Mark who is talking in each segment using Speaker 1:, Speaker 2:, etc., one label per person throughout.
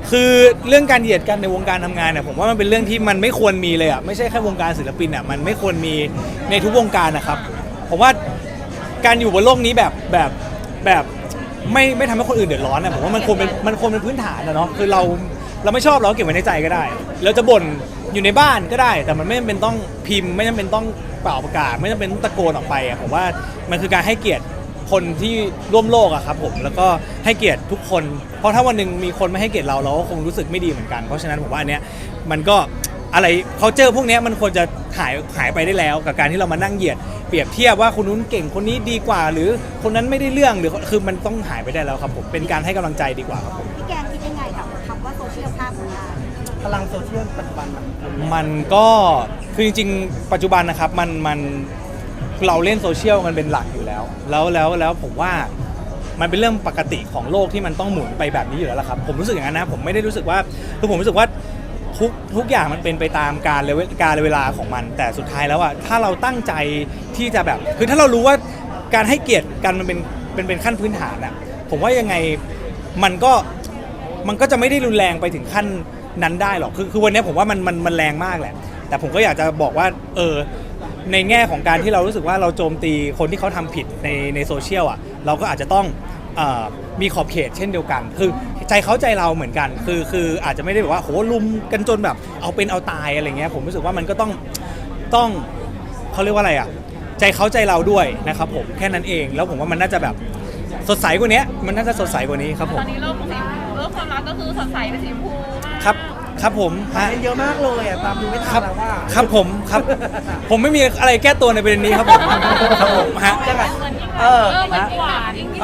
Speaker 1: คือเรื่องการเหยียดกันในวงการทำงานเนี่ยผมว่ามันเป็นเรื่องที่มันไม่ควรมีเลยอ่ะไม่ใช่แค่วงการศิลปินอ่ะมันไม่ควรมีในทุกวงการนะครับผมว่าการอยู่บนโลกนี้แบบไม่ทำให้คนอื่นเดือดร้อนนะผมว่ามันควรเป็นพื้นฐานนะเนาะคือเราไม่ชอบเราก็เก็บไว้ในใจก็ได้เราจะบ่นอยู่ในบ้านก็ได้แต่มันไม่จำเป็นต้องพิมพ์ไม่จำเป็นต้องเป่าประกาศไม่จำเป็นต้องตะโกนออกไปอ่ะผมว่ามันคือการให้เกียรติคนที่ร่วมโลกอะครับผมแล้วก็ให้เกียรติทุกคนเพราะถ้าวันหนึ่งมีคนไม่ให้เกียรติเราก็คงรู้สึกไม่ดีเหมือนกันเพราะฉะนั้นผมว่าอันเนี้ยมันก็อะไรเขาเจอพวกเนี้ยมันควรจะหายไปได้แล้วกับการที่เรามานั่งเหยียดเปรียบเทียบว่าคนนู้นเก่งคนนี้ดีกว่าหรือคนนั้นไม่ได้เรื่องหรือคือมันต้องหายไปได้แล้วครับผมเป็นการให้กำลังใจดีกว่าครับผม
Speaker 2: พี่แกงคิดยังไงกับคำว่าโซเชียลภาพของเรา
Speaker 3: พลังโซเชียลปัจจุบัน
Speaker 1: มันก็คือจริงๆปัจจุบันนะครับมันเราเล่นโซเชียลมันเป็นหลักอยู่แล้วผมว่ามันเป็นเรื่องปกติของโลกที่มันต้องหมุนไปแบบนี้อยู่แล้วล่ะครับผมรู้สึกอย่างนั้นนะผมไม่ได้รู้สึกว่าคือผมรู้สึกว่าทุกอย่างมันเป็นไปตามการเวลาของมันแต่สุดท้ายแล้วอะถ้าเราตั้งใจที่จะแบบคือถ้าเรารู้ว่าการให้เกียรติกันมันเป็นขั้นพื้นฐานอะผมว่ายังไงมันก็จะไม่ได้รุนแรงไปถึงขั้นนั้นได้หรอกคือวันนี้ผมว่ามันแรงมากแหละแต่ผมก็อยากจะบอกว่าในแง่ของการที่เรารู้สึกว่าเราโจมตีคนที่เขาทำผิดในโซเชียลอ่ะเราก็อาจจะต้องมีขอบเขตเช่นเดียวกันคือใจเขาใจเราเหมือนกันคืออาจจะไม่ได้แบบว่าโหลุมกันจนแบบเอาเป็นเอาตายอะไรเงี้ยผมรู้สึกว่ามันก็ต้องเขาเรียกว่าอะไรอ่ะใจเขาใจเราด้วยนะครับผมแค่นั้นเองแล้วผมว่ามันน่าจะแบบสดใสกว่านี้มันน่าจะสดใสกว่านี้ครับผม
Speaker 4: ตอนนี้โลกความรักก็คือสดใสเป็นสีชมพูมาก
Speaker 1: ครับผมฮะ
Speaker 3: เยอะมากเลยอ่ะตามดูไม่ทันแล้วว่า
Speaker 1: ครับผมครับผมไม่มีอะไรแก้ตัวในประเด็นนี้ครับผมครับผมฮะ
Speaker 4: เหมือนหวานยิ่ง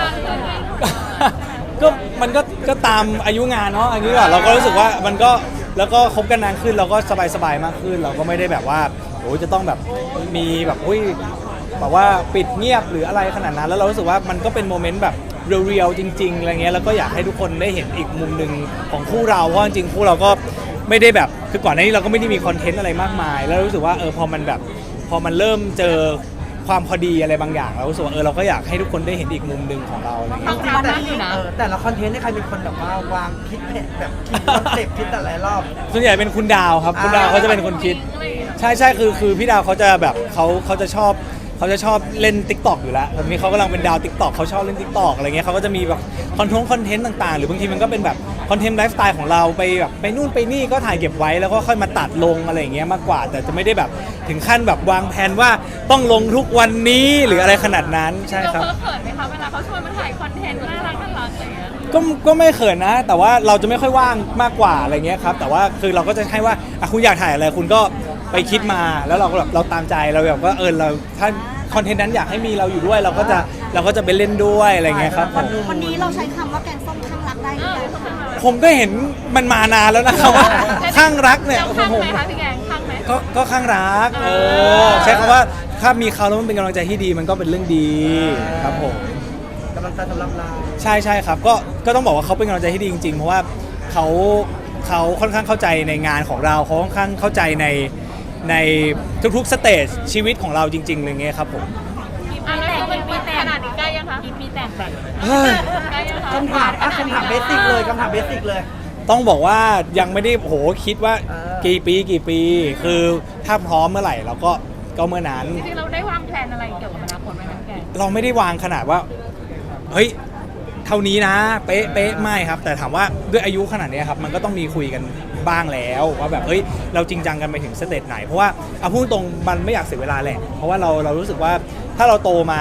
Speaker 1: ก็มันก็ตามอายุงานเนาะอันนี้ว่าเราก็รู้สึกว่ามันก็แล้วก็คบกันนานขึ้นเราก็สบายมากขึ้นเราก็ไม่ได้แบบว่าโอ้จะต้องแบบมีแบบแบบว่าปิดเงียบหรืออะไรขนาดนั้นแล้วเรารู้สึกว่ามันก็เป็นโมเมนต์แบบเรียลๆจริงๆอะไรเงี้ยแล้วก็อยากให้ทุกคนได้เห็นอีกมุมหนึ่งของคู่เราเพราะจริงๆคู่เราก็ไม่ได้แบบคือก่อนหน้านี้เราก็ไม่ได้มีคอนเทนต์อะไรมากมายแล้วรู้สึกว่าพอมันเริ่มเจอความพอดีอะไรบางอย่างเรารู้สึกว่าเราก็อยากให้ทุกคนได้เห็นอีกมุมหนึ่งของเราอะไรเงี้ย
Speaker 3: แต่ละคอนเทนต์นี่ใครเป็นคนแบบว่าวางคิดแบบคิดคอนเซ็ปต์คิดแต่หลายรอบ
Speaker 1: ส่วนใหญ่เป็นคุณดาวครับคุณดาวเขาจะเป็นคนคิดใช่คือพี่ดาวเขาจะแบบเขาจะชอบเล่น TikTok อยู่แล้วแบบนี้เขากำลังเป็นดาว TikTok เขาชอบเล่น TikTok อะไรเงี้ยเขาก็จะมีแบบคอนเทนต์ต่างๆหรือบางทีมันก็เป็นแบบคอนเทนต์ไลฟ์สไตล์ของเราไปแบบไปนู่นไปนี่ก็ถ่ายเก็บไว้แล้วก็ค่อยมาตัดลงอะไรอย่างเงี้ยมากกว่าแต่จะไม่ได้แบบถึงขั้นแบบวางแผนว่าต้องลงทุกวันนี้หรืออะไรขนาดนั้นใช่ครับ
Speaker 4: เราเขินไหมคะเวลาเขาชวนมาถ่ายคอนเทนต์น่ารักอะไรอย่างเงี้ย
Speaker 1: ก็ไม่เขินนะแต่ว่าเราจะไม่ค่อยว่างมากกว่าอะไรเงี้ยครับแต่ว่าคือเราก็จะให้ว่าคุณอยากถ่ายอะไรคุณก็ไปคิดมาแล้วเราก็แบบเราตามใจเราแบบว่าเราถ้าคอนเทนต์นั้นอยากให้มีเราอยู่ด้วยเราก็จะไปเล่นด้วยอะไรเงี้ยครับ
Speaker 2: วันนี้เราใช้คำว่าแกงส้มข้างรักได้หรือยัง
Speaker 1: ผมก็เห็นมันมานานแล้วนะครับว่าข้างรักเนี่ย
Speaker 4: ข้างไหมคะพี่แกงข้างไหม
Speaker 1: ก็ข้างรักใช้คำว่าถ้ามีเขาแล้วมันเป็นกำลังใจที่ดีมันก็เป็นเรื่องดีครับผม
Speaker 3: กำลังใจสำหรับเรา
Speaker 1: ใช่ครับก็ต้องบอกว่าเขาเป็นกำลังใจที่ดีจริงๆเพราะว่าเขาค่อนข้างเข้าใจในงานของเราเขาค่อนข้างเข้าใจในทุกๆสเตจชีวิตของเราจริงๆอะไรเงี้ยครับผม
Speaker 4: แล้วมันมีแต่ขนาดนี้ใกล้ยังคะมีแต่
Speaker 3: คำถามเบสิกเลย
Speaker 1: ต้องบอกว่ายังไม่ได้คิดว่ากี่ปีคือถ้าพร้อมเมื่อไหร่เราก็เมื่อนั้น
Speaker 4: จริงๆเราได้วางแผนอะไรเกี่ยวกับอนาคตไหมแก
Speaker 1: เราไม่ได้วางขนาดว่าเฮ้ยเท่านี้นะเป๊ะไม่ครับแต่ถามว่าด้วยอายุขนาดนี้ครับมันก็ต้องมีคุยกันบ้างแล้วว่าแบบเราจริงจังกันไปถึงสเตจไหนเพราะว่าเอาพูดตรงมันไม่อยากเสียเวลาแหละเพราะว่าเรารู้สึกว่าถ้าเราโตมา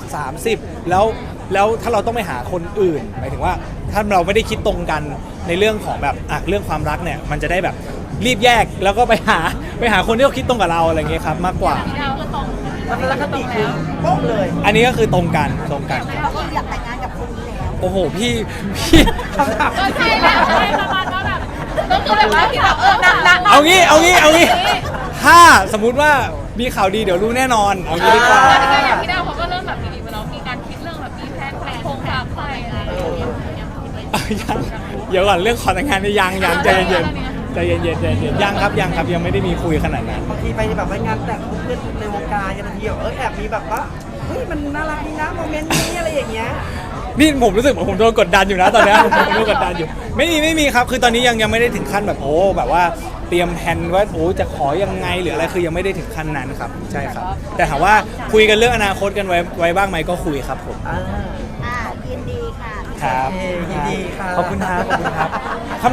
Speaker 1: 30แล้วถ้าเราต้องไปหาคนอื่นหมายถึงว่าถ้าเราไม่ได้คิดตรงกันในเรื่องของแบบเรื่องความรักเนี่ยมันจะได้แบบรีบแยกแล้วก็ไปหาคนที่เขาคิดตรงกับเราอะไรเงี้ยครับมากกว่า
Speaker 3: แล้วก็ติคือโป๊ะเลย
Speaker 1: อันนี้ก็คือตรงกัน
Speaker 2: เราก็อยากแต่งงานกับคนนี้แล้ว
Speaker 1: โอ้โหพี่
Speaker 3: คำถาม
Speaker 4: ใช่แล้วประมาณว่าแบบก็คือแบบว่าพี่แบบหนัก
Speaker 1: เอางี้ถ้าสมมุติว่ามีข่าวดีเดี๋ยวรู้แน่นอนเอางี้ดีกว่า
Speaker 4: อย่างพี่ดาวเขาก็เริ่มแบบดีๆมาแล้วมีการคิดเรื่องแบบมีแพลนโครงการใครอะไร
Speaker 1: ยังเดี๋ยวก่อนเรื่องขอแต่งงานนี่ยังใจเย็นยังครับยังไม่ได้มีคุยขนาดนั้น
Speaker 3: บางทีไปแบบงานแต่งเพื่อนในวงการบางทีแอบมีแบบว่าเฮ้ยมันน่ารักดีนะโมเมนต์นี้อะไรอย่างเงี้ย
Speaker 1: นี่ผมรู้สึกเหมือนผมโดนกดดันอยู่นะตอนเนี้ย ผมโดนกดดันอยู่ไม่มีครับคือตอนนี้ยังไม่ได้ถึงขั้นแบบโอ้แบบว่าเตรียมแผนว่าโอ้จะขอยังไงหรืออะไรคือยังไม่ได้ถึงขั้นนั้นครับใช่ครับแต่ถามว่าคุยกันเรื่องอนาคตกันไว้บ้างไหมก็คุยครับผม
Speaker 3: อ่า
Speaker 2: อ่ายินดีค่ะ
Speaker 1: ครับ
Speaker 3: โอเคยินดีค่ะ
Speaker 1: ขอบคุณครับ